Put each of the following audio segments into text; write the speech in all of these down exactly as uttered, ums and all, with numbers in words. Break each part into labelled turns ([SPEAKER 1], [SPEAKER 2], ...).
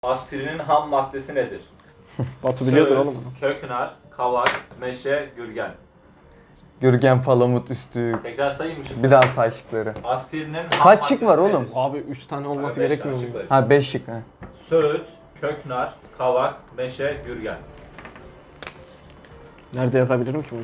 [SPEAKER 1] Aspirinin ham maddesi nedir?
[SPEAKER 2] Batu biliyordur
[SPEAKER 1] Söğüt,
[SPEAKER 2] oğlum onu.
[SPEAKER 1] köknar, kavak, meşe, gürgen.
[SPEAKER 3] Gürgen, palamut, üstü.
[SPEAKER 1] Tekrar sayayım mı şimdi?
[SPEAKER 3] Bir daha say şıkları.
[SPEAKER 1] Aspirinin ham
[SPEAKER 3] Kaç şık var
[SPEAKER 1] maddesi
[SPEAKER 3] oğlum?
[SPEAKER 1] nedir?
[SPEAKER 2] Abi üç tane olması
[SPEAKER 1] beş
[SPEAKER 2] gerekmiyor
[SPEAKER 1] tane
[SPEAKER 2] mu?
[SPEAKER 1] şık var.
[SPEAKER 3] Ha beş şık ha.
[SPEAKER 1] Söğüt, köknar, kavak, meşe, gürgen.
[SPEAKER 2] Nerede yazabilirim ki bunu?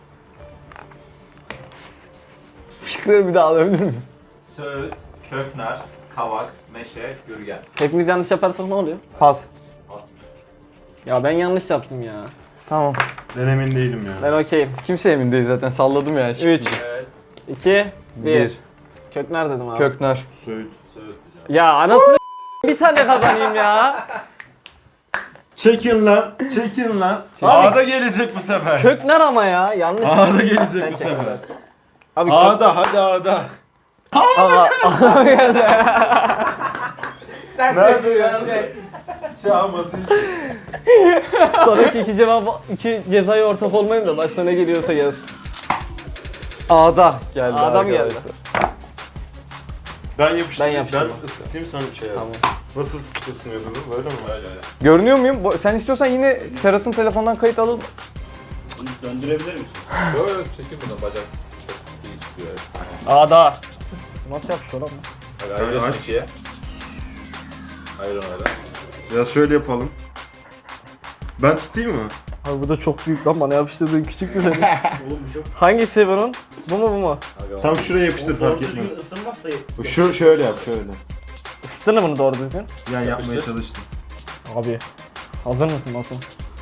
[SPEAKER 3] Şıkları bir daha alabilir miyim?
[SPEAKER 1] Söğüt, köknar, kavak, meşe, gürgen.
[SPEAKER 2] Hepimiz yanlış yaparsak ne oluyor?
[SPEAKER 3] Pas.
[SPEAKER 1] Asmış.
[SPEAKER 2] Ya ben yanlış yaptım ya.
[SPEAKER 3] Tamam.
[SPEAKER 4] Ben emin değilim ya.
[SPEAKER 2] Ben okeyim.
[SPEAKER 3] Kimse emin değil zaten, salladım ya. şık.
[SPEAKER 2] üç,
[SPEAKER 1] Evet.
[SPEAKER 2] iki, bir.
[SPEAKER 3] Bir.
[SPEAKER 2] Köknar dedim abi.
[SPEAKER 3] Köknar.
[SPEAKER 4] Söğüt.
[SPEAKER 1] Söğüt.
[SPEAKER 2] Ya anasını bir tane kazanayım ya.
[SPEAKER 4] Çekin lan. Çekin lan.
[SPEAKER 2] Abi-
[SPEAKER 4] A'da gelecek bu sefer.
[SPEAKER 2] Köknar ama ya. Yanlış.
[SPEAKER 4] A'da gelecek
[SPEAKER 2] Ben
[SPEAKER 4] bu sefer.
[SPEAKER 2] çektim. Abi kök...
[SPEAKER 4] A'da hadi A'da.
[SPEAKER 2] Aa, aa, geldi.
[SPEAKER 1] Sen
[SPEAKER 4] Nerede ya? Çağması.
[SPEAKER 2] Sonraki iki cevap, iki cezaya ortak olmayayım da başına ne geliyorsa gelsin.
[SPEAKER 3] A'da geldi.
[SPEAKER 2] A'da mı geldi?
[SPEAKER 3] arkadaşlar.
[SPEAKER 4] Ben yapıştırayım.
[SPEAKER 2] Ben yapıştırayım.
[SPEAKER 4] Ben ısıtayım sen bir şey yap.
[SPEAKER 2] Tamam.
[SPEAKER 4] Nasıl ısınıyordun? Böyle mi?
[SPEAKER 1] Öyle öyle.
[SPEAKER 3] Görünüyor muyum? Bu- Sen istiyorsan yine Serhat'ın telefondan kayıt alalım.
[SPEAKER 5] Döndürebilir misin?
[SPEAKER 1] Yok yok çekin bunu bacak. Çok iyi tutuyor.
[SPEAKER 2] A'da. Nasıl yapışıyor lan bu?
[SPEAKER 1] Hadi
[SPEAKER 4] Hadi
[SPEAKER 1] ayırın
[SPEAKER 4] aç.
[SPEAKER 1] ikiye. Ayırın öyle.
[SPEAKER 4] Ya şöyle yapalım. Ben tutayım mı?
[SPEAKER 2] Abi bu da çok büyük lan, bana yapıştırdığın küçüktü senin.
[SPEAKER 5] Oğlum bu çok...
[SPEAKER 2] Hangisi bunun? Bu mu bu mu?
[SPEAKER 1] Hadi
[SPEAKER 4] Tam şuraya yapıştır
[SPEAKER 5] O doğru
[SPEAKER 4] fark
[SPEAKER 5] düzgün
[SPEAKER 4] etmez.
[SPEAKER 5] ısınmazsa...
[SPEAKER 4] Bu Şu şöyle yap şöyle.
[SPEAKER 2] Isıttın mı bunu doğru düzgün?
[SPEAKER 4] Yani yapmaya
[SPEAKER 1] Yapıştır.
[SPEAKER 4] çalıştım.
[SPEAKER 2] Abi. Hazır mısın Batu?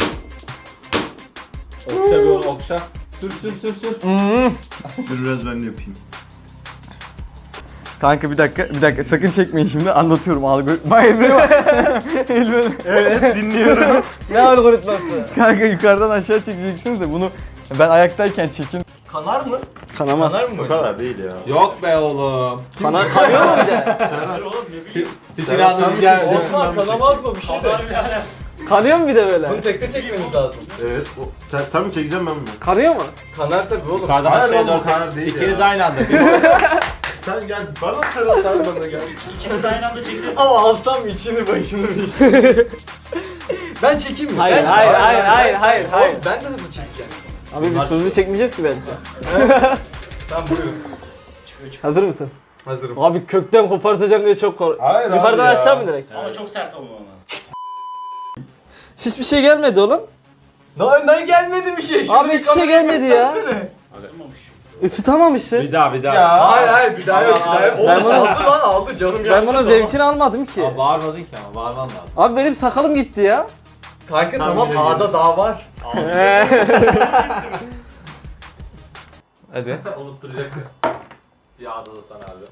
[SPEAKER 1] Okşa bir onu okşa. Sür sür sür sür.
[SPEAKER 2] Hmm.
[SPEAKER 4] Dur biraz ben de yapayım.
[SPEAKER 3] Kanka bir dakika, bir dakika sakın çekmeyin şimdi, anlatıyorum algoritma. Elbeni var. Elbeni.
[SPEAKER 4] Evet dinliyorum.
[SPEAKER 2] Ne algoritması?
[SPEAKER 3] Kanka yukarıdan aşağı çekeceksiniz de bunu ben ayaktayken çekin.
[SPEAKER 1] Kanar mı?
[SPEAKER 2] Kanamaz.
[SPEAKER 1] Kanar mı?
[SPEAKER 4] O kadar değil ya.
[SPEAKER 1] Yok be oğlum.
[SPEAKER 2] Kana kanıyor mu bir de?
[SPEAKER 4] Serhat.
[SPEAKER 5] Oğlum ne bileyim.
[SPEAKER 1] Hiç
[SPEAKER 4] Serhat, sen
[SPEAKER 1] inandınız
[SPEAKER 4] mi
[SPEAKER 1] gel.
[SPEAKER 4] çekeceksin,
[SPEAKER 1] Osman
[SPEAKER 4] ben mi
[SPEAKER 1] kanamaz mı bir şey de?
[SPEAKER 2] Kanıyor mu bir de böyle?
[SPEAKER 1] Bunu tekte çekmeniz lazım.
[SPEAKER 4] Evet. O, sen, sen mi çekeceksin ben mi?
[SPEAKER 2] Kanıyor mu?
[SPEAKER 1] Kanar tabii oğlum.
[SPEAKER 4] Hayır
[SPEAKER 1] Yukarıdan
[SPEAKER 4] oğlum,
[SPEAKER 1] aşağıya
[SPEAKER 4] o kanar
[SPEAKER 1] doğru.
[SPEAKER 4] değil
[SPEAKER 1] İkiniz
[SPEAKER 4] ya.
[SPEAKER 1] aynı anda.
[SPEAKER 4] Sen gel bana sarıl sen bana gel.
[SPEAKER 5] İkiniz aynı anda çeksene.
[SPEAKER 1] Ama alsam içini başını bir. Ben çekeyim mi?
[SPEAKER 2] Hayır,
[SPEAKER 1] Ben
[SPEAKER 2] hayır,
[SPEAKER 1] çekeyim.
[SPEAKER 2] hayır, hayır, hayır,
[SPEAKER 1] Oğlum,
[SPEAKER 2] hayır.
[SPEAKER 1] Ben de hızlı çekeceğim.
[SPEAKER 2] Abi biz hızlı çekmeyeceğiz ki bence.
[SPEAKER 1] Tamam buyurun.
[SPEAKER 2] Hazır mısın?
[SPEAKER 1] Hazırım.
[SPEAKER 2] Abi kökten kopartacağım diye çok kork.
[SPEAKER 4] Hayır abi
[SPEAKER 2] Yukarıdan
[SPEAKER 4] ya.
[SPEAKER 2] aşağı mı direkt?
[SPEAKER 5] Ama çok sert olmamalı.
[SPEAKER 2] Hiçbir şey gelmedi oğlum.
[SPEAKER 1] Daha ne gelmedi bir şey.
[SPEAKER 2] Abi hiçbir şey gelmedi ya.
[SPEAKER 5] Isınmamış.
[SPEAKER 2] Isıtamamışsın.
[SPEAKER 1] Bir daha bir daha.
[SPEAKER 4] Ya.
[SPEAKER 1] Hayır hayır bir daha yok bir daha yok.
[SPEAKER 2] Ben
[SPEAKER 1] Ben
[SPEAKER 2] bunu-
[SPEAKER 1] aldı lan aldı canım
[SPEAKER 2] Ben bunun zevkini almadım ki.
[SPEAKER 1] Abi bağırmadın ki ama bağırman lazım.
[SPEAKER 2] Abi benim sakalım gitti ya.
[SPEAKER 1] Kanka
[SPEAKER 4] Tamam,
[SPEAKER 1] tamam
[SPEAKER 4] yine
[SPEAKER 1] A'da
[SPEAKER 4] gelin.
[SPEAKER 1] daha var.
[SPEAKER 3] Hadi.
[SPEAKER 1] Unutturacaktı. Bir A'da da sana abi.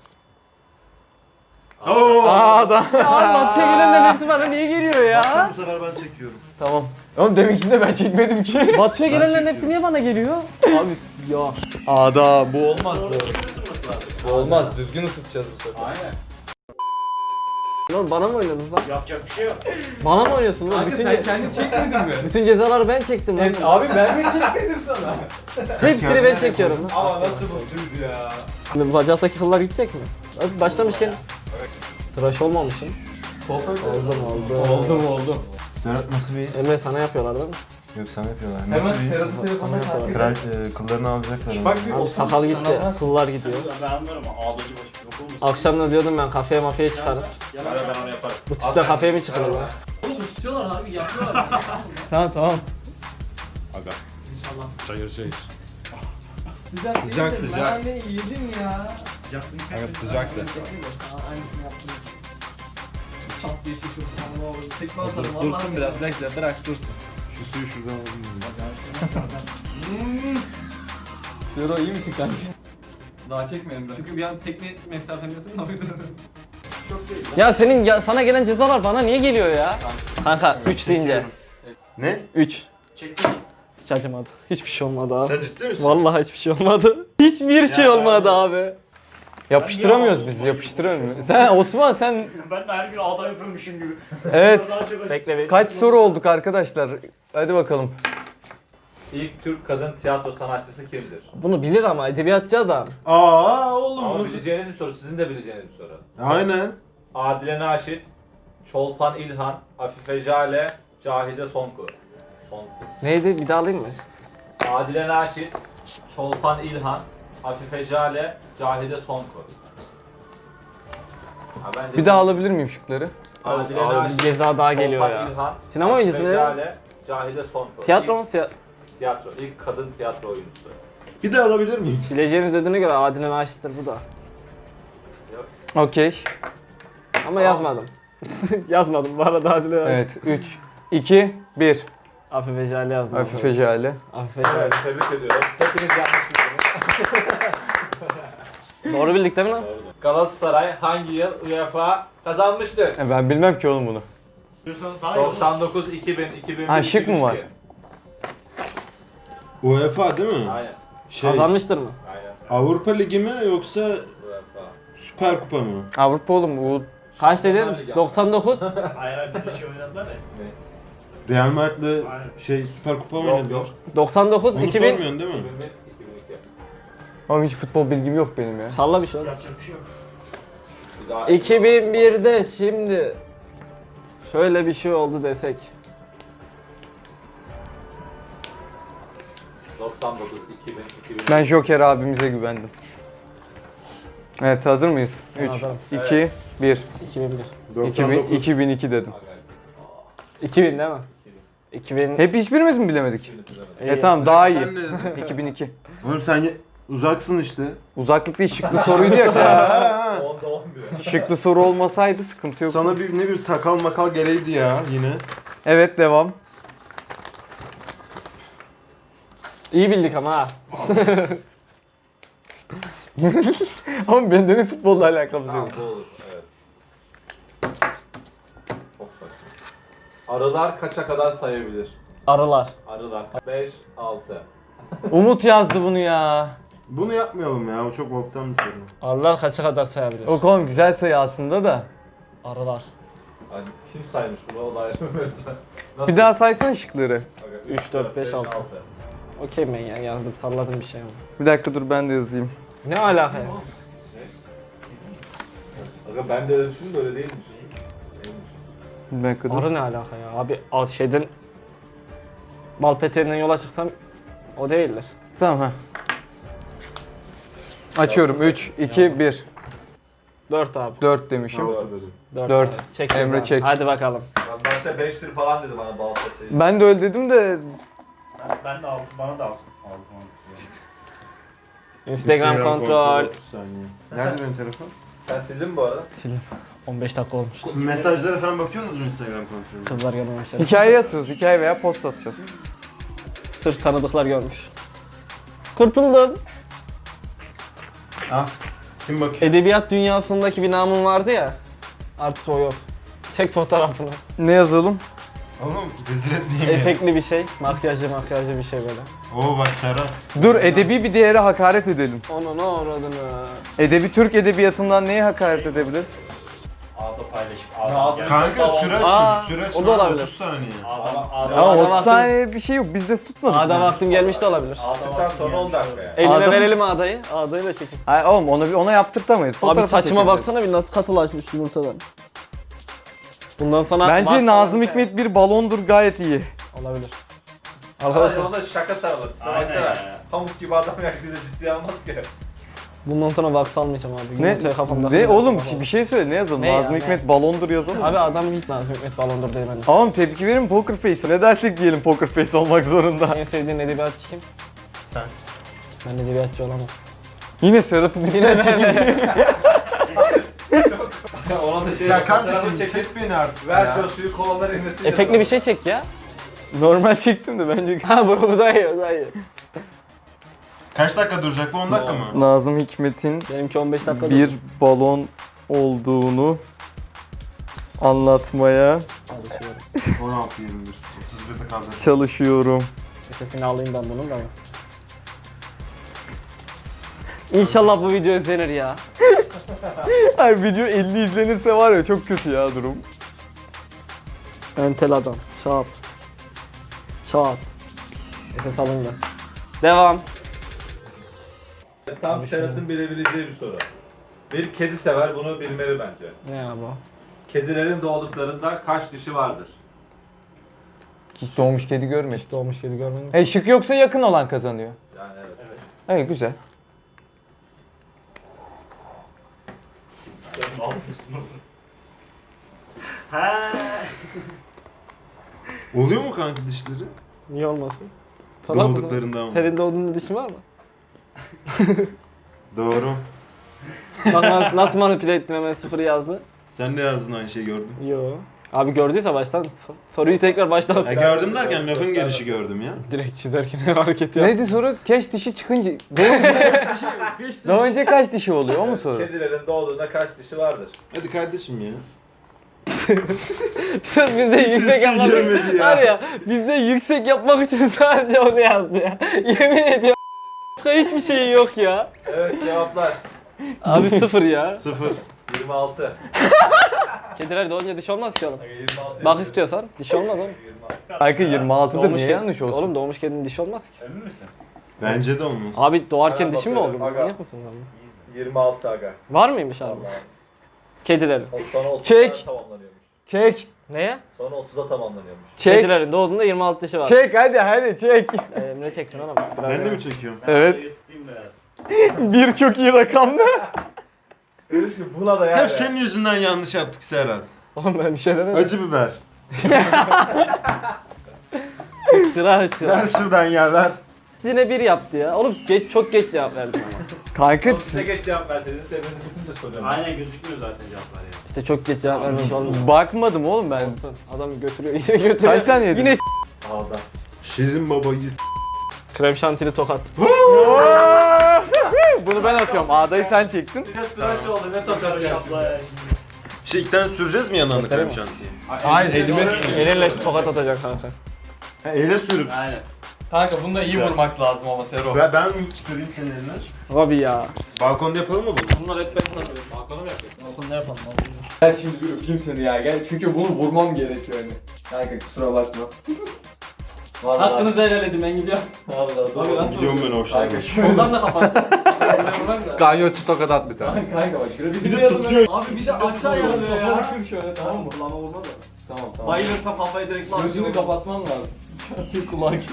[SPEAKER 4] Oo.
[SPEAKER 3] A'da.
[SPEAKER 2] Ya abi Batu'ya gelenlerin hepsi bana niye geliyor ya?
[SPEAKER 4] Bu sefer ben çekiyorum.
[SPEAKER 3] Tamam. Oğlum deminkinde ben çekmedim ki.
[SPEAKER 2] Batu'ya gelenlerin hepsi niye bana geliyor? Abi ya.
[SPEAKER 3] A'da bu olmaz.
[SPEAKER 5] Doğru düzgün ısınması lazım.
[SPEAKER 1] Bu olmaz düzgün ısıtacağız bu sefer.
[SPEAKER 5] Aynen.
[SPEAKER 2] Oğlum bana mı oynadınız lan?
[SPEAKER 5] Yapacak bir şey yok.
[SPEAKER 2] Bana mı oynuyorsun lan?
[SPEAKER 1] Kanka
[SPEAKER 2] Bütün,
[SPEAKER 1] sen kendin çekmedin mi?
[SPEAKER 2] bütün cezaları ben çektim lan.
[SPEAKER 1] Evet, abi ben mi çekmedim sana?
[SPEAKER 2] Hepsini ben çekiyorum lan.
[SPEAKER 1] Ama nasıl mutluydu ya.
[SPEAKER 2] Şimdi bu bacaktaki kıllar gidecek mi? Hadi başlamışken. Tıraş olmamışım.
[SPEAKER 1] Sohbet
[SPEAKER 2] Oldum oldum.
[SPEAKER 1] Oldum oldum.
[SPEAKER 4] Serhat nasıl bir his?
[SPEAKER 2] Emre sana yapıyorlar değil mi?
[SPEAKER 4] Yok sana yapıyorlar.
[SPEAKER 1] Hemen
[SPEAKER 4] Nasıl bir his?
[SPEAKER 1] Serhat'ın telefonuna
[SPEAKER 2] Sana
[SPEAKER 1] takip
[SPEAKER 2] yapıyorlar.
[SPEAKER 4] Kral e, kıllarını alacaklar. ama.
[SPEAKER 1] Bak bir
[SPEAKER 2] Abi
[SPEAKER 1] otuz
[SPEAKER 2] sakal gitti,
[SPEAKER 1] tane var.
[SPEAKER 2] kıllar gidiyor.
[SPEAKER 5] Ben anlıyorum ama ağdacı başı yok olmuş.
[SPEAKER 2] Akşam da diyordum ben kafeye mafyaya çıkarım.
[SPEAKER 5] Yalan ben onu yaparım.
[SPEAKER 2] Bu tipte kafeye mi çıkarım lan?
[SPEAKER 5] Oğlum ısıtıyorlar abi yapıyorlar.
[SPEAKER 3] Tamam tamam.
[SPEAKER 4] Aga. Çayır çayır.
[SPEAKER 1] Sıcak sıcak.
[SPEAKER 5] Sıcaklığını
[SPEAKER 1] Evet sıcaksa. Dursun biraz bekle bırak dursun.
[SPEAKER 4] Şu suyu şuradan alayım.
[SPEAKER 3] Sero iyi misin kanka? Daha çekmedim ben.
[SPEAKER 6] Çünkü bir an tekne mesafemdesin o yüzden.
[SPEAKER 2] Ya senin ya, sana gelen cezalar bana niye geliyor ya? Kanka üç deyince.
[SPEAKER 4] Ne?
[SPEAKER 2] üç.
[SPEAKER 5] Çektim.
[SPEAKER 2] Hiç acımadı. Hiçbir şey olmadı abi.
[SPEAKER 4] Sen ciddi misin?
[SPEAKER 2] Vallahi hiçbir şey olmadı. Hiçbir şey
[SPEAKER 4] Ya
[SPEAKER 2] olmadı
[SPEAKER 4] abi.
[SPEAKER 2] abi.
[SPEAKER 3] Yapıştıramıyoruz biz, yapıştıramıyoruz. Sen Osman sen
[SPEAKER 5] Ben de her gün ağda yapıyormuşum gibi.
[SPEAKER 3] evet.
[SPEAKER 5] Daha çok
[SPEAKER 2] Bekle bir.
[SPEAKER 3] Kaç soru olduk arkadaşlar? Hadi bakalım.
[SPEAKER 1] İlk Türk kadın tiyatro sanatçısı kimdir?
[SPEAKER 2] Bunu bilir ama edebiyatçı adam.
[SPEAKER 4] Aa oğlum.
[SPEAKER 1] Ama
[SPEAKER 4] nasıl-
[SPEAKER 1] bileceğiniz bir soru, sizin de bileceğiniz bir soru.
[SPEAKER 4] Aynen.
[SPEAKER 1] Adile Naşit,
[SPEAKER 7] Çolpan İlhan, Afife Jale, Cahide Sonku. Sonku.
[SPEAKER 2] Neydi? Bir daha alayım mı?
[SPEAKER 7] Adile Naşit, Çolpan İlhan, Afife Jale, Cahide Sonku. Ha, bence
[SPEAKER 3] Bir daha alabilir miyim şıkları?
[SPEAKER 7] Adile
[SPEAKER 2] Abi,
[SPEAKER 7] Naşit,
[SPEAKER 2] bir ceza daha geliyor
[SPEAKER 7] Çolpan
[SPEAKER 2] ya.
[SPEAKER 7] İlhan,
[SPEAKER 2] Sinema oyuncusu
[SPEAKER 7] Afife
[SPEAKER 2] mu ya?
[SPEAKER 7] Jale, Cahide Sonku.
[SPEAKER 2] Tiyatro mu?
[SPEAKER 7] İlk,
[SPEAKER 2] Siya-
[SPEAKER 7] tiyatro. İlk kadın tiyatro oyuncusu.
[SPEAKER 4] Bir de alabilir miyim?
[SPEAKER 2] Bileceğiniz dediğine göre Adile Naşit'tir bu da.
[SPEAKER 3] Okey.
[SPEAKER 2] Ama yazmadım. yazmadım bu arada Adile Naşit.
[SPEAKER 3] Evet. üç, iki, bir.
[SPEAKER 2] Afife Jale yazdım.
[SPEAKER 3] Afife Jale.
[SPEAKER 2] Afife Jale.
[SPEAKER 7] Evet, tebrik ediyorum. Hepiniz yanlış bildiniz.
[SPEAKER 2] Doğru bildik değil mi lan?
[SPEAKER 7] Galatasaray hangi yıl UEFA kazanmıştır?
[SPEAKER 3] E, Ben bilmem ki oğlum bunu.
[SPEAKER 5] Diyorsanız daha iyi olur.
[SPEAKER 7] doksan dokuz, iki bin, iki bin bir,
[SPEAKER 3] Ha, şık mı var?
[SPEAKER 7] iki bin iki.
[SPEAKER 4] UEFA değil mi?
[SPEAKER 7] Aynen.
[SPEAKER 4] Şey,
[SPEAKER 2] Kazanmıştır mı?
[SPEAKER 7] Aynen.
[SPEAKER 4] Avrupa Ligi mi yoksa
[SPEAKER 7] UEFA.
[SPEAKER 4] Süper Kupa mı?
[SPEAKER 3] Avrupa oğlum bu.
[SPEAKER 2] Kaç
[SPEAKER 7] Şampiyonlar
[SPEAKER 2] dedin?
[SPEAKER 7] Ligi.
[SPEAKER 2] doksan dokuz.
[SPEAKER 5] Hayır hayır bir de şey oynadılar ya.
[SPEAKER 4] Real Madrid'le
[SPEAKER 5] Aynen.
[SPEAKER 4] şey Süper Kupa mı
[SPEAKER 7] Yok
[SPEAKER 4] oynadılar?
[SPEAKER 7] yok.
[SPEAKER 2] doksan dokuz,
[SPEAKER 4] Onu
[SPEAKER 2] iki bin.
[SPEAKER 4] sormuyorsun değil mi?
[SPEAKER 7] iki bin bir, iki bin iki.
[SPEAKER 3] Ama hiç futbol bilgim yok benim ya.
[SPEAKER 2] Salla bir şey oğlum.
[SPEAKER 5] Yapacak bir şey yok.
[SPEAKER 7] Bir daha-
[SPEAKER 2] iki bin birde şimdi şöyle bir şey oldu desek.
[SPEAKER 7] doksan dokuz, iki bin, iki bin.
[SPEAKER 3] Ben Joker abimize güvendim. Evet, hazır mıyız?
[SPEAKER 2] Ben
[SPEAKER 3] üç,
[SPEAKER 2] hazırım.
[SPEAKER 3] iki, bir.
[SPEAKER 2] iki bin bir.
[SPEAKER 3] iki bin,
[SPEAKER 4] doksan dokuz.
[SPEAKER 3] iki bin iki dedim.
[SPEAKER 2] iki bin değil mi? iki bin.
[SPEAKER 3] Hep hiçbirimiz mi bilemedik?
[SPEAKER 2] İyi.
[SPEAKER 3] E tamam, daha iyi.
[SPEAKER 4] Sen ne dedin?
[SPEAKER 3] iki bin iki.
[SPEAKER 4] Oğlum sen ye- uzaksın işte.
[SPEAKER 3] Uzaklık değil, şıklı soruydu ya.
[SPEAKER 4] Ha,
[SPEAKER 7] onda on bir.
[SPEAKER 3] Şıklı soru olmasaydı sıkıntı yok.
[SPEAKER 4] Sana bir ne bir sakal makal geleydi ya yine.
[SPEAKER 3] Evet, devam.
[SPEAKER 2] İyi bildik ama ha.
[SPEAKER 3] Ama bende de futbolla alakamız
[SPEAKER 7] Tamam
[SPEAKER 3] yok.
[SPEAKER 7] bu olur. Evet. Çok saçma. Arılar kaça kadar sayabilir?
[SPEAKER 2] Arılar.
[SPEAKER 7] Arılar. beş, altı.
[SPEAKER 3] Umut yazdı bunu ya.
[SPEAKER 4] Bunu yapmayalım ya. Bu çok boktan bir soru.
[SPEAKER 2] Arılar kaça kadar sayabilir?
[SPEAKER 3] O oğlum güzel sayı aslında da.
[SPEAKER 2] Arılar.
[SPEAKER 7] Hani kim saymış bunu? O da ayrı bir mesele. Nasıl?
[SPEAKER 3] Bir daha saysana şıkları.
[SPEAKER 7] Aga,
[SPEAKER 2] üç, dört, beş, altı. Okey ben ya yazdım salladım bir şey ama.
[SPEAKER 3] Bir dakika dur, ben de yazayım.
[SPEAKER 2] Ne alaka ya?
[SPEAKER 7] Aga ben de öyle düşündüm de öyle değilmiş. Değilmiş.
[SPEAKER 3] Bir dakika dur.
[SPEAKER 2] Arı ne alaka ya? Abi al şeyden bal peteğinden yola çıksam o değildir.
[SPEAKER 3] Tamam ha. Açıyorum. üç, iki, bir.
[SPEAKER 2] dört abi.
[SPEAKER 3] dört demişim.
[SPEAKER 4] Altı dedim.
[SPEAKER 2] dört.
[SPEAKER 3] Dört.
[SPEAKER 2] abi. Çek
[SPEAKER 3] Emre
[SPEAKER 2] ceza.
[SPEAKER 3] çek.
[SPEAKER 2] Hadi bakalım.
[SPEAKER 7] Ben başta beştir falan dedi bana bal peteği.
[SPEAKER 3] Ben de öyle dedim de
[SPEAKER 5] Ben, ben de aldım. Bana da aldım. Aldım aldım.
[SPEAKER 2] Instagram, kontrol.
[SPEAKER 4] otuz saniye. Nerede benim telefon?
[SPEAKER 7] Sen sildin mi bu arada?
[SPEAKER 2] on beş dakika olmuş.
[SPEAKER 4] Mesajlara falan bakıyor musunuz Instagram kontrolüne?
[SPEAKER 2] Kızlar görmemişler.
[SPEAKER 3] hikaye atıyoruz. Hikaye veya post atacağız.
[SPEAKER 2] Sırf tanıdıklar görmüş. Kurtuldum.
[SPEAKER 4] Ah. Kim bakıyor?
[SPEAKER 2] Edebiyat dünyasındaki bir namım vardı ya. Artık o yok. Çek fotoğrafını.
[SPEAKER 3] Ne yazalım?
[SPEAKER 4] Oğlum rezil etmeyeyim ya.
[SPEAKER 2] Efektli bir şey. Makyajlı makyajlı bir şey böyle.
[SPEAKER 4] Oo bak Serhat.
[SPEAKER 3] Dur, edebi bir değere hakaret edelim.
[SPEAKER 2] Onu ne uğradını.
[SPEAKER 3] Edebi Türk edebiyatından neye hakaret edebiliriz?
[SPEAKER 5] Ağda paylaşıp
[SPEAKER 7] Ağda-
[SPEAKER 5] ağda.
[SPEAKER 4] Kanka süreç
[SPEAKER 2] Aa,
[SPEAKER 4] süreç
[SPEAKER 2] o da olabilir.
[SPEAKER 4] otuz saniye.
[SPEAKER 5] Ağda ağda.
[SPEAKER 3] Ama
[SPEAKER 2] Ağda
[SPEAKER 3] otuz
[SPEAKER 2] vaktim-
[SPEAKER 3] saniye bir şey yok. Biz de tutmadık.
[SPEAKER 2] Ağda
[SPEAKER 3] mı?
[SPEAKER 2] vaktim gelmiş de olabilir.
[SPEAKER 7] Aldıktan sonra on dakika yani.
[SPEAKER 2] Eline
[SPEAKER 3] Ağda mı?
[SPEAKER 2] verelim ağdayı. Ağdayı da çekin.
[SPEAKER 3] Hayır oğlum, ona, ona yaptırtamayız.
[SPEAKER 2] Abi
[SPEAKER 3] Fotoğrafı
[SPEAKER 2] saçıma
[SPEAKER 3] çekeceğiz.
[SPEAKER 2] baksana bir nasıl katılaşmış yumurtadan. Bundan sonra
[SPEAKER 3] Bence
[SPEAKER 2] Bak-
[SPEAKER 3] Nazım Hikmet bir balondur, gayet iyi.
[SPEAKER 2] olabilir.
[SPEAKER 7] Arkadaşlar
[SPEAKER 2] Arkadaşlar
[SPEAKER 7] ona şaka sarılır.
[SPEAKER 5] Aynen
[SPEAKER 7] Baksana.
[SPEAKER 5] ya.
[SPEAKER 7] Pamuk gibi adam yaklaşık ciddiye almaz ki.
[SPEAKER 2] bundan sonra vaks almayacağım abi.
[SPEAKER 3] Ne?
[SPEAKER 2] Yumurtayı kafamda.
[SPEAKER 3] Ne oğlum, bir şey söyle, ne yazalım?
[SPEAKER 2] Ne ya,
[SPEAKER 3] Nazım
[SPEAKER 2] ne?
[SPEAKER 3] Hikmet balondur yazalım.
[SPEAKER 2] Abi adam hiç Nazım Hikmet balondur değil bence.
[SPEAKER 3] Tamam, tepki verin Poker Face. Ne dersek diyelim, Poker Face olmak zorunda.
[SPEAKER 2] En sevdiğin edebiyatçı kim?
[SPEAKER 4] Sen.
[SPEAKER 2] Ben edebiyatçı olamam.
[SPEAKER 3] Yine Serhat'ın
[SPEAKER 2] Yine çekin.
[SPEAKER 7] Ona da şey
[SPEAKER 4] Ya
[SPEAKER 7] fotoğrafı
[SPEAKER 4] kardeşim
[SPEAKER 7] çekip
[SPEAKER 4] çek beni artık
[SPEAKER 7] ver
[SPEAKER 4] ya.
[SPEAKER 7] şu suyu kovalar inmesin.
[SPEAKER 2] Efektli bir şey çek ya.
[SPEAKER 3] normal çektim de bence.
[SPEAKER 2] Ha bu, bu da iyi, bu da iyi.
[SPEAKER 4] Kaç dakika duracak bu on dakika mı?
[SPEAKER 3] Nazım Hikmet'in
[SPEAKER 2] Benimki on beş dakika.
[SPEAKER 3] bir balon olduğunu anlatmaya
[SPEAKER 2] Çalışıyorum.
[SPEAKER 4] on altı yirmi bir. otuz birde kaldı.
[SPEAKER 3] çalışıyorum.
[SPEAKER 2] Sesini alayım ben bunun da. İnşallah bu video izlenir ya.
[SPEAKER 3] Ay, video elli izlenirse var ya, çok kötü ya durum.
[SPEAKER 2] Entel adam. Şap. Şap. Ses alındı. Devam.
[SPEAKER 7] Tam Serhat'ın bilebileceği bir soru. Bir kedi sever bunu bilmeli bence.
[SPEAKER 2] Ne ya bu?
[SPEAKER 7] Kedilerin doğduklarında kaç dişi vardır?
[SPEAKER 3] Hiç doğmuş kedi görmedim.
[SPEAKER 2] Hiç doğmuş kedi görmedim.
[SPEAKER 3] E şık yoksa yakın olan kazanıyor.
[SPEAKER 7] Yani evet. Evet.
[SPEAKER 3] Evet güzel.
[SPEAKER 5] Sen ne yapıyorsun oğlum? Ha.
[SPEAKER 4] Oluyor mu kanka dişleri?
[SPEAKER 2] Niye olmasın? Salak mısın?
[SPEAKER 4] Doğduklarında ama.
[SPEAKER 2] Senin doğduğunda dişin var mı?
[SPEAKER 4] Doğru.
[SPEAKER 2] Bak nasıl, nasıl manipüle ettim, hemen sıfır yazdı.
[SPEAKER 4] Sen de yazdın aynı şeyi gördüm.
[SPEAKER 2] Yo. Abi gördüyse baştan so- soruyu tekrar baştan
[SPEAKER 4] Ya gördüm derken lafın gelişi gördüm ya.
[SPEAKER 2] direkt çizerken hareket yap.
[SPEAKER 3] Neydi soru? Keş dişi çıkınca doğunca, doğunca kaç dişi oluyor? O mu soru?
[SPEAKER 7] Kedilerin doğduğunda kaç dişi vardır?
[SPEAKER 4] Hadi kardeşim ya.
[SPEAKER 2] Bizde yüksek yapmak
[SPEAKER 4] gelmedi ya.
[SPEAKER 2] var ya, bizde yüksek yapmak için sadece onu yazdı ya. Yemin ediyorum başka hiçbir şey yok ya.
[SPEAKER 7] Evet cevaplar.
[SPEAKER 2] Abi sıfır ya.
[SPEAKER 4] Sıfır.
[SPEAKER 7] yirmi altı.
[SPEAKER 2] Kediler doğunca diş olmaz ki oğlum.
[SPEAKER 7] yirmi altı
[SPEAKER 2] Bak istiyorsan diş olmaz oğlum.
[SPEAKER 3] Kanka yirmi altıdır
[SPEAKER 2] Doğmuş
[SPEAKER 3] niye
[SPEAKER 2] kedi-
[SPEAKER 3] yanlış olsun?
[SPEAKER 2] Oğlum doğmuş kedinin dişi olmaz ki.
[SPEAKER 5] Emin misin?
[SPEAKER 4] Bence de olmaz.
[SPEAKER 2] Abi doğarken
[SPEAKER 7] Hemen
[SPEAKER 2] dişi mi
[SPEAKER 7] bakıyorum,
[SPEAKER 2] olur?
[SPEAKER 7] aga.
[SPEAKER 2] Manyak mısın abi?
[SPEAKER 7] yirmi altı aga.
[SPEAKER 2] Var mıymış abi?
[SPEAKER 7] Vallahi.
[SPEAKER 2] Kedilerin.
[SPEAKER 7] O sonra otuzda
[SPEAKER 3] Çek.
[SPEAKER 7] tamamlanıyormuş.
[SPEAKER 3] Çek.
[SPEAKER 2] Neye?
[SPEAKER 7] Sonra otuza tamamlanıyormuş.
[SPEAKER 3] Çek.
[SPEAKER 2] Kedilerin doğduğunda yirmi altı dişi var.
[SPEAKER 3] Çek hadi hadi çek.
[SPEAKER 2] Ee, Emre çeksin oğlum. Biraz
[SPEAKER 4] Ben de
[SPEAKER 2] ya.
[SPEAKER 4] mi çekiyorum?
[SPEAKER 3] Evet.
[SPEAKER 5] Isıtayım biraz.
[SPEAKER 3] Bir çok iyi rakam ne?
[SPEAKER 7] Buna da yani.
[SPEAKER 4] Hep senin yüzünden yanlış yaptık Serhat.
[SPEAKER 2] Oğlum ben bir şey demedim.
[SPEAKER 4] Acı biber.
[SPEAKER 2] Hıçkıra hıçkıra.
[SPEAKER 4] Ver şuradan ya ver.
[SPEAKER 2] Yine bir yaptı ya. Oğlum geç, çok geç cevap verdim ama.
[SPEAKER 3] Kanka
[SPEAKER 7] Size geç cevap verseydiniz sebebini bütün de soruyorum.
[SPEAKER 5] Aynen gözükmüyor zaten cevaplar ya.
[SPEAKER 2] İşte çok geç cevap vermiş olmuyor.
[SPEAKER 3] bakmadım oğlum ben.
[SPEAKER 2] Olsun. Adam götürüyor, yine götürüyor.
[SPEAKER 3] Kaç tane yedin?
[SPEAKER 2] Yine s-
[SPEAKER 7] Ağda.
[SPEAKER 4] Şirin babayı s-
[SPEAKER 2] krem şantili tokat.
[SPEAKER 3] Bunu ben atıyorum. A'dayı sen çektin.
[SPEAKER 7] Bir de sıra şu oldu ne takarım ya şimdi.
[SPEAKER 5] Şapla.
[SPEAKER 4] Şey ilk tane süreceğiz mi yanlarına krem şantiyi?
[SPEAKER 3] Hayır elime
[SPEAKER 2] Elinle tokat atacak kanka.
[SPEAKER 4] Ha, ele sürüp.
[SPEAKER 5] Aynen.
[SPEAKER 3] Kanka bunda iyi vurmak lazım ama Sero.
[SPEAKER 4] Ben, ben mi süreyim senin eline?
[SPEAKER 2] Abi ya.
[SPEAKER 4] Balkonda yapalım mı bunu?
[SPEAKER 2] Bunlar hep ben sanırım. Balkona mı yapıyorsun? Balkonda yapalım.
[SPEAKER 3] Gel şimdi bir öpeyim seni ya gel. Çünkü bunu vurmam gerekiyor hani. Kanka kusura bakma. Vallahi.
[SPEAKER 2] Hakkınızı helal edin, ben gidiyorum.
[SPEAKER 3] Vallahi.
[SPEAKER 2] Abi nasıl
[SPEAKER 4] Gidiyorum ben o
[SPEAKER 3] Kanka şöyle.
[SPEAKER 2] Ondan da kapat.
[SPEAKER 3] Kanyoçu tokat at bir tane. Kanka bak şurada
[SPEAKER 2] Bir de tutuyor. Abi bir de aşağı yazıyor ya.
[SPEAKER 3] Kafanı kır şöyle tamam mı?
[SPEAKER 2] Kulağıma vurma da.
[SPEAKER 3] Tamam tamam.
[SPEAKER 2] Bayılırsam kafayı direkt lan.
[SPEAKER 3] Gözünü kapatmam lazım. Çatı kulağı gibi.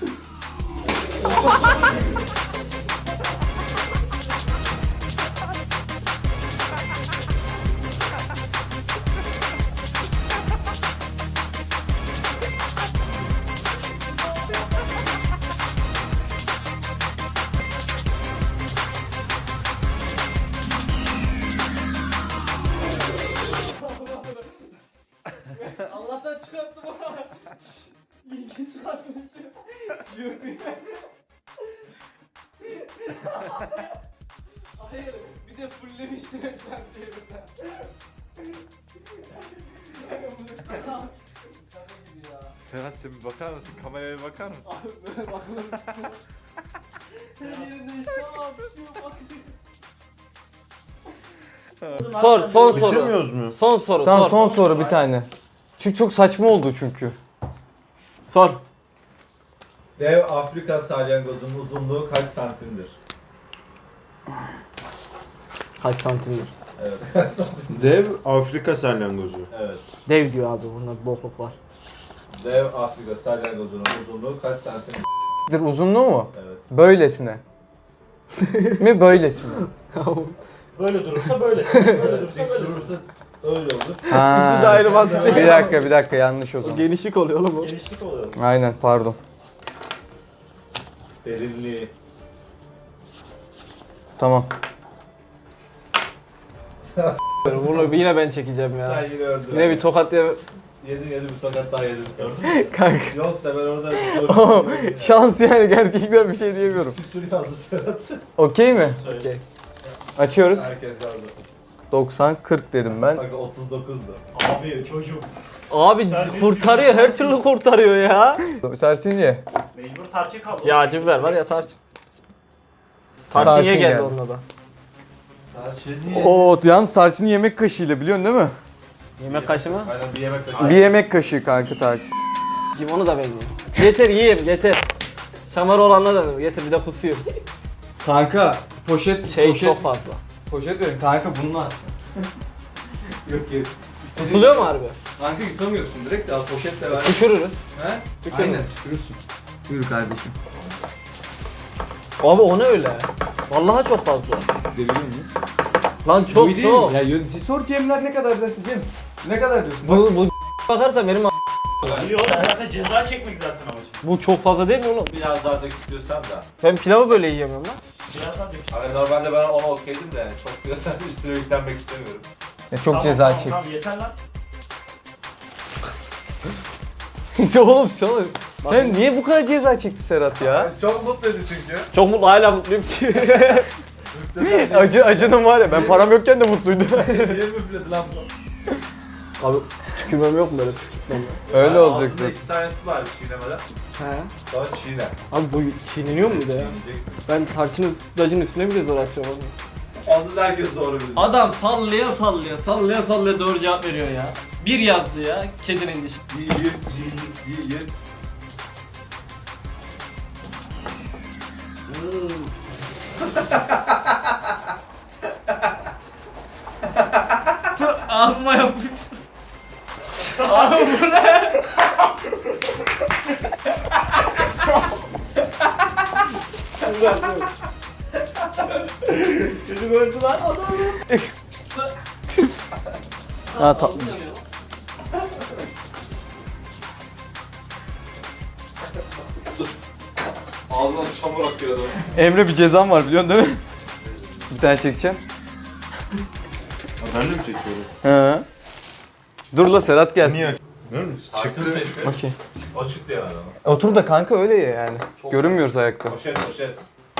[SPEAKER 2] Allah'tan çıkarttım ha. İyi ki çıkartmışım. Hayır, bir de fulllemiştim ekran diyelimden.
[SPEAKER 7] Serhat sen bir bakar mısın? Kameraya bir bakar mısın?
[SPEAKER 2] Abi böyle bakılır. Her yerinde şap Sor, son soru.
[SPEAKER 4] Bitirmiyoruz mu?
[SPEAKER 2] Son soru,
[SPEAKER 3] Tamam
[SPEAKER 2] sor.
[SPEAKER 3] son soru bir tane. Çünkü çok saçma oldu çünkü.
[SPEAKER 2] Sor.
[SPEAKER 7] Dev Afrika salyangozunun uzunluğu kaç santimdir?
[SPEAKER 2] Kaç santimdir?
[SPEAKER 7] Evet kaç santim?
[SPEAKER 4] Dev Afrika salyangozu.
[SPEAKER 7] Evet.
[SPEAKER 2] Dev diyor abi, bunda bir bokluk var.
[SPEAKER 7] Dev Afrika salyangozunun uzunluğu kaç santimdir?
[SPEAKER 3] Uzunluğu mu?
[SPEAKER 7] Evet.
[SPEAKER 3] Böylesine. mi böylesine?
[SPEAKER 5] Böyle durursa böyle. Böyle durursa
[SPEAKER 7] Dik
[SPEAKER 5] böyle.
[SPEAKER 7] durursa öyle olur.
[SPEAKER 3] Ha.
[SPEAKER 2] İkisi de ayrı mantık değil.
[SPEAKER 3] Bir dakika bir dakika yanlış o zaman.
[SPEAKER 2] Genişlik oluyor oğlum o.
[SPEAKER 5] Genişlik oluyor.
[SPEAKER 3] Aynen pardon.
[SPEAKER 7] Derinliği.
[SPEAKER 3] Tamam.
[SPEAKER 2] Bunu yine ben çekeceğim ya.
[SPEAKER 7] Sen yine öldün.
[SPEAKER 2] Yine bir tokat diye.
[SPEAKER 7] Yedin yedin bir tokat daha yedin sonra.
[SPEAKER 3] Kanka.
[SPEAKER 7] Yok da ben orada
[SPEAKER 3] Ama şans yani gerçekten bir şey diyemiyorum.
[SPEAKER 7] küsür yazdı Serhat.
[SPEAKER 3] Okey mi?
[SPEAKER 2] Okey.
[SPEAKER 3] Açıyoruz.
[SPEAKER 7] Herkes yazdı.
[SPEAKER 3] doksan kırk dedim ben.
[SPEAKER 7] Bak otuz dokuzdu.
[SPEAKER 5] Abi çocuk.
[SPEAKER 2] Abi
[SPEAKER 5] Sen bir
[SPEAKER 2] kurtarıyor,
[SPEAKER 5] sürü
[SPEAKER 2] her türlü kurtarıyor ya.
[SPEAKER 3] Serçince.
[SPEAKER 5] Mecbur tarçın kaldı.
[SPEAKER 2] Ya acı biber var ya tarçın. Tarçın
[SPEAKER 3] Tarçın
[SPEAKER 2] ye geldi
[SPEAKER 3] geldi.
[SPEAKER 2] onunla da.
[SPEAKER 3] Oo yalnız tarçını yemek kaşığıyla biliyorsun değil mi?
[SPEAKER 2] Yemek kaşığı mı?
[SPEAKER 7] Aynen bir yemek kaşığı.
[SPEAKER 3] Bir yemek kaşığı kanka tarçın.
[SPEAKER 2] Kim onu da ben yiyeyim. Yeter yiyeyim yeter. Şamar olanla da yeter, bir de kusuyor.
[SPEAKER 3] Kanka poşet
[SPEAKER 2] Şey
[SPEAKER 3] poşet
[SPEAKER 2] çok fazla.
[SPEAKER 3] poşet verin kanka bunlar. yok yok.
[SPEAKER 2] Kusuluyor mu harbi?
[SPEAKER 3] Kanka yutamıyorsun direkt de al poşetle ver.
[SPEAKER 2] Tükürürüz.
[SPEAKER 3] He?
[SPEAKER 2] Tükürürüz.
[SPEAKER 3] Aynen tükürürsün. Buyur kardeşim.
[SPEAKER 2] Abi o ne öyle? Vallahi çok fazla.
[SPEAKER 3] Deviriyor muyum?
[SPEAKER 2] Lan çok
[SPEAKER 3] Bu değil
[SPEAKER 2] çok.
[SPEAKER 3] mi? Ya yönetici sor Cemler ne kadar dersin Cem? Ne kadar diyorsun?
[SPEAKER 2] Bu, bu bakarsan benim a-
[SPEAKER 5] İyi oğlum zaten ceza çekmek zaten amacım.
[SPEAKER 2] bu çok fazla değil mi oğlum?
[SPEAKER 7] Biraz daha dök istiyorsan da.
[SPEAKER 2] Ben pilavı böyle yiyemiyorum lan.
[SPEAKER 5] Birazdan dök.
[SPEAKER 7] Hani normalde ben ona okeydim de yani çok diyorsan üstüne yüklenmek istemiyorum.
[SPEAKER 3] Ya çok
[SPEAKER 5] Tamam,
[SPEAKER 3] ceza
[SPEAKER 5] tamam,
[SPEAKER 3] çek.
[SPEAKER 5] Tamam yeter lan.
[SPEAKER 2] oğlum çalış. Sen niye bu kadar ceza çekti Serhat ya?
[SPEAKER 7] Çok mutluydu çünkü.
[SPEAKER 2] Çok mutlu, hala mutluyum ki. Acı acının var ya, ben param yokken de mutluydum.
[SPEAKER 7] Niye müfledi lan bu?
[SPEAKER 2] Abi tükürmem yok mu böyle?
[SPEAKER 3] Öyle olacak
[SPEAKER 7] Ağzında
[SPEAKER 3] zaten.
[SPEAKER 7] iki tane tut var çiğnemeden.
[SPEAKER 2] He.
[SPEAKER 7] Sonra çiğne.
[SPEAKER 2] Abi bu çiğneniyor mu da ya?
[SPEAKER 7] Çiğneyeceksin.
[SPEAKER 2] Ben tarçının sütlacın üstüne bile zor atıyorum abi.
[SPEAKER 7] Onu da herkes doğru bilir.
[SPEAKER 6] Adam sallaya sallaya sallaya sallaya doğru cevap veriyor ya. Bir yazdı ya kedinin dişi.
[SPEAKER 7] Yiyin, yiyin, yiyin.
[SPEAKER 6] Ağzıma yapmış. Abi bu ne?
[SPEAKER 5] Çocuk öldü lan.
[SPEAKER 2] Ha tatlı.
[SPEAKER 7] Ağzından çamur akıyor adamın.
[SPEAKER 3] Emre bir cezam var biliyorsun değil mi? Bir tane çekeceğim.
[SPEAKER 4] Ben de mi çekiyorum?
[SPEAKER 3] Hı. Dur la Serhat gelsin.
[SPEAKER 4] Niye? Değil mi?
[SPEAKER 7] Çıktı seçti.
[SPEAKER 3] Okey.
[SPEAKER 7] O çıktı yani adama.
[SPEAKER 3] Otur da kanka öyle ya yani. Görünmüyoruz ayakta.
[SPEAKER 7] Poşet poşet.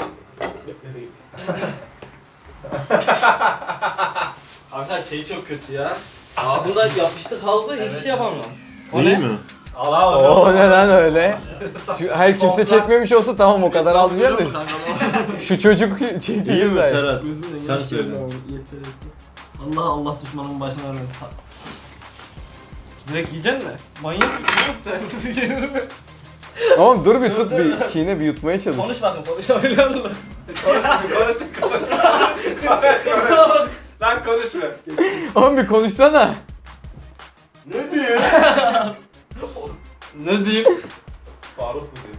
[SPEAKER 6] Arkadaş şey çok kötü ya. Ağzında yapıştı kaldı hiçbir şey yapamam. O
[SPEAKER 4] Değil
[SPEAKER 6] ne?
[SPEAKER 4] mi?
[SPEAKER 7] Al al.
[SPEAKER 3] Oo neden öyle? Şu- Her kimse çekmemiş olsa tamam o kadar al diyeceğim de.
[SPEAKER 6] Kanka,
[SPEAKER 3] Şu çocuk
[SPEAKER 4] Değil
[SPEAKER 3] çekti
[SPEAKER 4] mi
[SPEAKER 3] de.
[SPEAKER 4] Serhat? Sen söyle.
[SPEAKER 6] Allah Allah düşmanın başına vermesin. Direkt yiyeceksin mi? Manyak mısın oğlum sen? Yenir mi?
[SPEAKER 3] Oğlum dur bir tut bir çiğne bir yutmaya çalış.
[SPEAKER 6] Konuş bakın konuşabiliyor musun?
[SPEAKER 7] Konuştuk konuştuk. Konuş konuş. Lan konuşma.
[SPEAKER 3] Oğlum bir konuşsana.
[SPEAKER 4] Ne diyor?
[SPEAKER 6] Ne diyeyim?
[SPEAKER 7] Faruk mu diyor?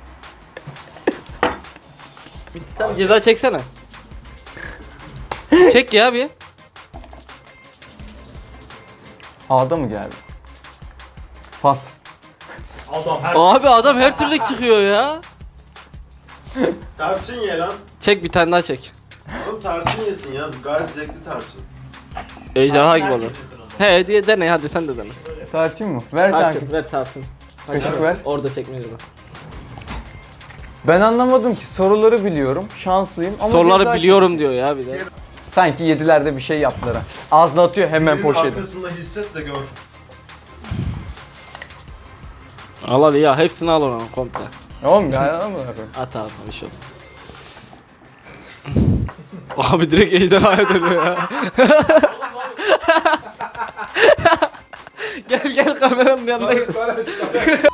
[SPEAKER 2] Sen ceza çeksene. Çek ya bir.
[SPEAKER 3] A'da mı geldi? Pas.
[SPEAKER 5] Adam her
[SPEAKER 2] Abi adam her türlü çıkıyor ya.
[SPEAKER 4] Tarçın ye lan.
[SPEAKER 2] Çek bir tane daha çek.
[SPEAKER 4] Oğlum tarçın yesin ya. Gayet zevkli tarçın.
[SPEAKER 2] Ejderha gibi
[SPEAKER 5] her
[SPEAKER 2] olur.
[SPEAKER 5] kimsesin o zaman.
[SPEAKER 2] He diye dene hadi sen de dene.
[SPEAKER 3] Tarçın mı? Ver kanka.
[SPEAKER 2] Tarçın ver tarçın.
[SPEAKER 3] Kaşık ver.
[SPEAKER 2] Orada çekmeyiz.
[SPEAKER 3] Ben anlamadım ki soruları biliyorum. Şanslıyım ama
[SPEAKER 2] Soruları
[SPEAKER 3] ceza
[SPEAKER 2] biliyorum diyor ya bir de.
[SPEAKER 3] çek- Sanki yedilerde bir şey yaptılar ha. Ağzına atıyor hemen
[SPEAKER 4] Birinin
[SPEAKER 3] poşeti.
[SPEAKER 4] arkasında hisset de gör.
[SPEAKER 2] Al hadi ya hepsini al ona komple.
[SPEAKER 3] Oğlum ya ama
[SPEAKER 2] At abi bir şey olmaz. Abi direkt ejderhaya dönüyor ya. Gel gel kameranın yanına gel.
[SPEAKER 7] Konuş konuş.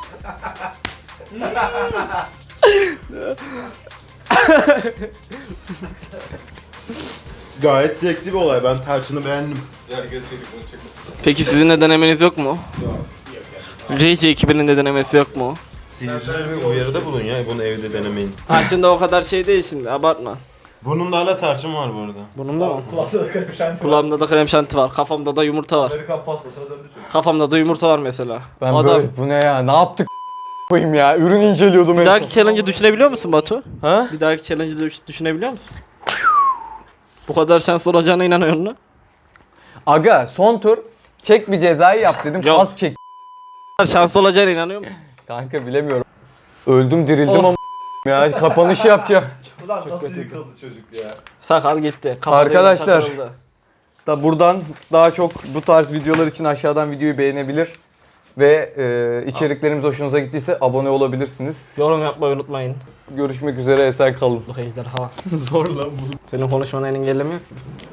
[SPEAKER 4] Gayet zevkli bir olay. Ben tarçını beğendim.
[SPEAKER 7] Gel gel çekip bunu çekmesin.
[SPEAKER 2] Peki sizin de denemeniz yok mu? Rage ekibinin de denemesi yok mu?
[SPEAKER 4] Seyirciler bir uyarıda bulun ya. Bunu evde denemeyin.
[SPEAKER 2] Tarçın da o kadar şey değil şimdi abartma.
[SPEAKER 4] Burnumda hala tarçın var bu arada.
[SPEAKER 2] Bunun da mı?
[SPEAKER 5] Kulağında da kalem şansı var.
[SPEAKER 2] Kulağımda da krem şanti var, kafamda da yumurta var.
[SPEAKER 7] Amerikan pastasına döndü çocuk.
[SPEAKER 2] Kafamda da yumurta var mesela.
[SPEAKER 3] ben
[SPEAKER 2] Adam
[SPEAKER 3] böyle bu ne ya? Ne yaptık koyayım ya? Ürün inceliyordum
[SPEAKER 2] bir
[SPEAKER 3] en
[SPEAKER 2] dahaki
[SPEAKER 3] son.
[SPEAKER 2] challenge'ı düşünebiliyor musun Batu?
[SPEAKER 3] Ha?
[SPEAKER 2] Bir dahaki challenge'ı düş- düşünebiliyor musun? Bu kadar şans olacağına inanıyor musun?
[SPEAKER 3] Aga son tur çek bir cezayı yap dedim.
[SPEAKER 2] Yok.
[SPEAKER 3] Pas çek.
[SPEAKER 2] Bu kadar şans olacağına inanıyor musun?
[SPEAKER 3] Kanka bilemiyorum. Öldüm dirildim
[SPEAKER 2] Oh.
[SPEAKER 3] ama ya kapanışı yapacağım.
[SPEAKER 7] Ulan nasıl yıkıldı çocuk ya.
[SPEAKER 2] Sakal gitti. kafada
[SPEAKER 3] Arkadaşlar.
[SPEAKER 2] yumurta kırıldı.
[SPEAKER 3] Da buradan daha çok bu tarz videolar için aşağıdan videoyu beğenebilir ve e, içeriklerimiz hoşunuza gittiyse abone olabilirsiniz.
[SPEAKER 2] Yorum yapmayı unutmayın.
[SPEAKER 3] Görüşmek üzere, esen kalın.
[SPEAKER 2] Bu ejderha. Zor lan bu. Senin konuşmanı engellemiyoruz ki biz.